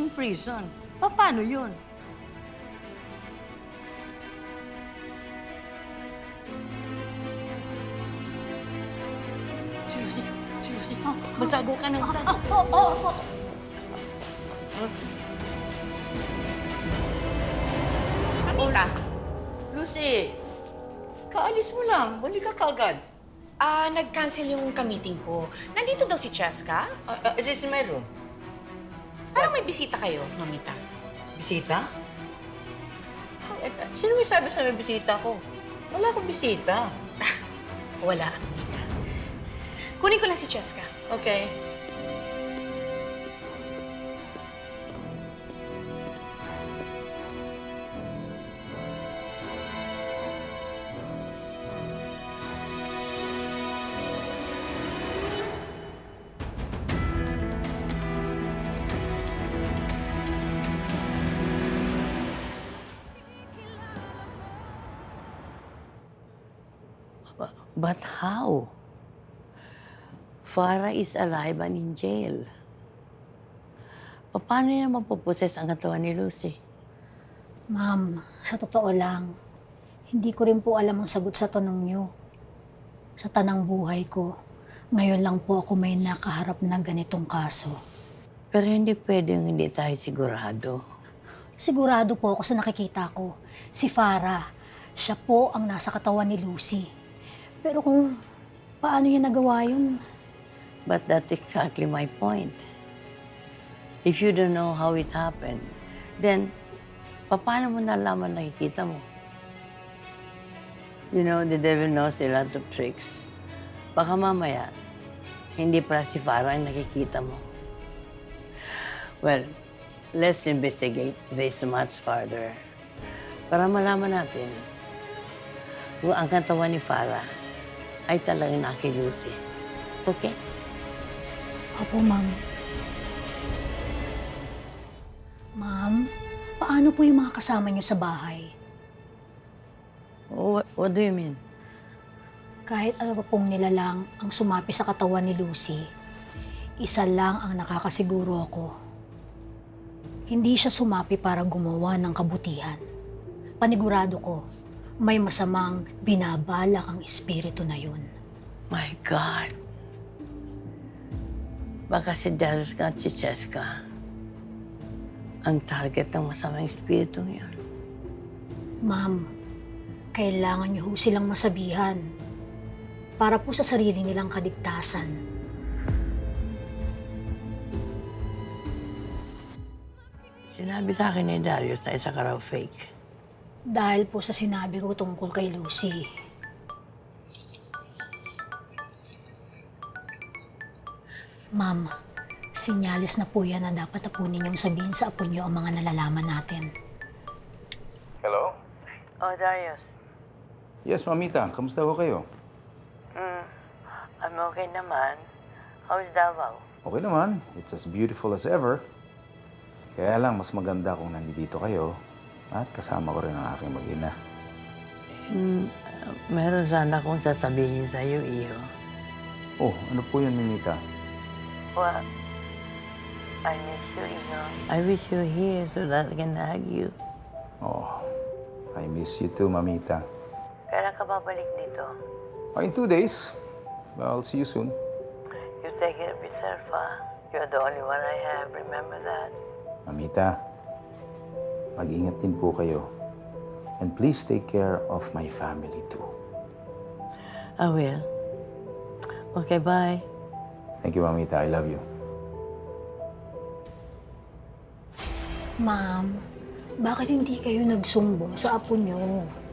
in prison. Paano yun? Si Lucy, magtago ka na, magtago. Oo. Mamita, Lucy, kaalis mo lang. Balik ka kagad. nag-cancel yung ka-meeting ko. Nandito daw si Cheska. Is this my room? Parang may bisita kayo, Mamita. Bisita? Sino may sabi sa may bisita ko? Wala akong bisita. Wala, Mamita. Kunin ko lang si Cheska. Okay. But how? Farah is alive and in jail. Paano niya mapuposes ang katawan ni Lucy? Ma'am, sa totoo lang, hindi ko rin po alam ang sagot sa tanong niyo. Sa tanang buhay ko, ngayon lang po ako may nakaharap ng ganitong kaso. Pero hindi pwedeng hindi tayo sigurado. Sigurado po ako sa nakikita ko. Si Farah, siya po ang nasa katawan ni Lucy. Pero kung paano niya nagawa yun, But that's exactly my point. If you don't know how it happened, then paano mo nalaman nakikita mo? You know, the devil knows a lot of tricks. Baka mamaya, hindi pala si Farah ang nakikita mo. Well, let's investigate this much further para malaman natin kung ang katawan ni Farah ay talagang naki Lucy. Okay? opo, ma'am. Ma'am, paano po yung mga kasama niyo sa bahay? What do you mean? Kahit ano pa pong nilalang ang sumapi sa katawan ni Lucy, isa lang ang nakakasiguro ako. Hindi siya sumapi para gumawa ng kabutihan. Panigurado ko, may masamang binabalak ang espiritu na yun. My God. Baka si Darius at si Cheska ang target ng masamang espiritu ngayon. Ma'am, kailangan niyo ho silang masabihan para po sa sarili nilang kaligtasan. Sinabi sa akin ni Darius na isa ka raw fake. Dahil po sa sinabi ko tungkol kay Lucy. Ma'am, sinyalis na po yan na dapat na po ninyong sabihin sa apo niyo ang mga nalalaman natin. Hello? Oh, Darius. Yes, Mamita. Kamusta ho kayo? I'm okay naman. How's Davao? Okay naman. It's as beautiful as ever. Kaya lang, mas maganda kung nandito kayo at kasama ko rin ang aking mag-ina. Meron sana akong sasabihin sa iyo, Iho. Oh, ano po yan, Mamita? Well, I miss you, Iho. I wish you were here so that I can hug you. Oh, I miss you too, Mamita. Kailan ka babalik dito? Oh, in 2 days. Well, I'll see you soon. You take care of yourself, ha? You're the only one I have. Remember that. Mamita, mag-ingat din po kayo. And please take care of my family too. I will. Okay, bye. Thank you, Mamita. I love you. Ma'am, bakit hindi kayo nagsumbong sa apo niyo?